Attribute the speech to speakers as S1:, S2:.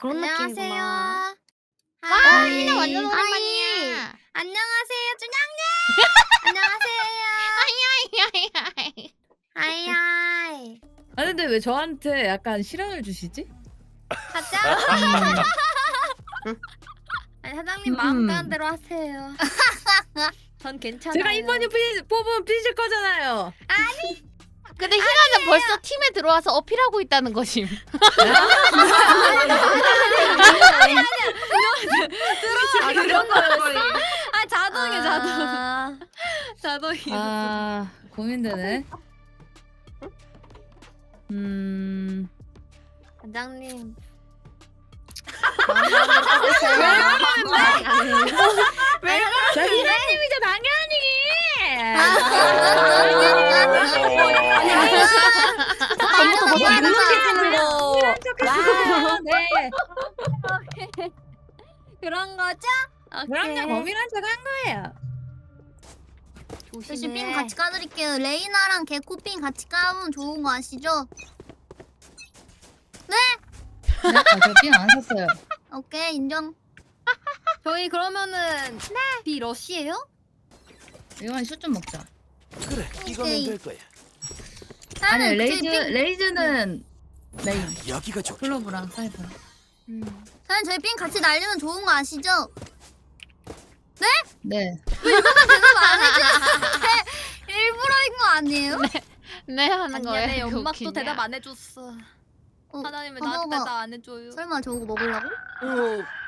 S1: 그런 느낌이구나.
S2: 아,
S1: 하이.
S2: 희나 완전
S1: 하이.
S2: 오랜만이야.
S1: 안녕하세요, 준영님. 안녕하세요.
S2: 하이하이하이하이.
S1: 하이 하이.
S3: 아 근데 왜 저한테 약간 실현을 주시지?
S1: 가자. 아니 사장님 마음 가는 대로 하세요. 전 괜찮아요.
S3: 제가 이번에 뽑으면 삐질 거잖아요.
S2: 근데 희나는 벌써 팀에 들어와서 어필하고 있다는 것임.
S1: 아 그런 거였어? 아 자동이야 자동. 자동이야.
S3: 아 고민되네.
S1: 사장님.
S3: 저 희나님이죠 당연히.
S1: 다음부터 뭐 눅눅해지는 거.
S3: 와, 네.
S1: 그런 거죠?
S3: 그럼요 범인한 척한 거예요.
S4: 대신 삥 같이 까드릴게요. 레이나랑 개코삥 같이 까면 좋은 거 아시죠?
S3: 네? 저삥안 샀어요.
S4: 오케이 인정.
S1: 저희 그러면은 비 러시예요?
S3: 이건 슛 좀 먹자.
S5: 그래, 이거면
S4: 오케이.
S5: 될 거야.
S3: 아니
S4: 나는 저희 삥,
S3: 레이즈는 메인.
S5: 여기가 좋.
S3: 클로브랑 사이버.
S4: 나는 저희 삥 같이 날리면 좋은 거 아시죠?
S3: 네.
S4: 대답 안 해주는데 일부러인 거 아니에요?
S2: 네 하는
S1: 아니야
S2: 거예요.
S1: 내
S2: 그거
S1: 연막도
S2: 웃기냐.
S1: 대답 안 해줬어.
S4: 어,
S1: 하나님은
S4: 봐봐.
S1: 나한테 대답 안 해줘요.
S4: 설마 저거 먹으려고?
S5: 어,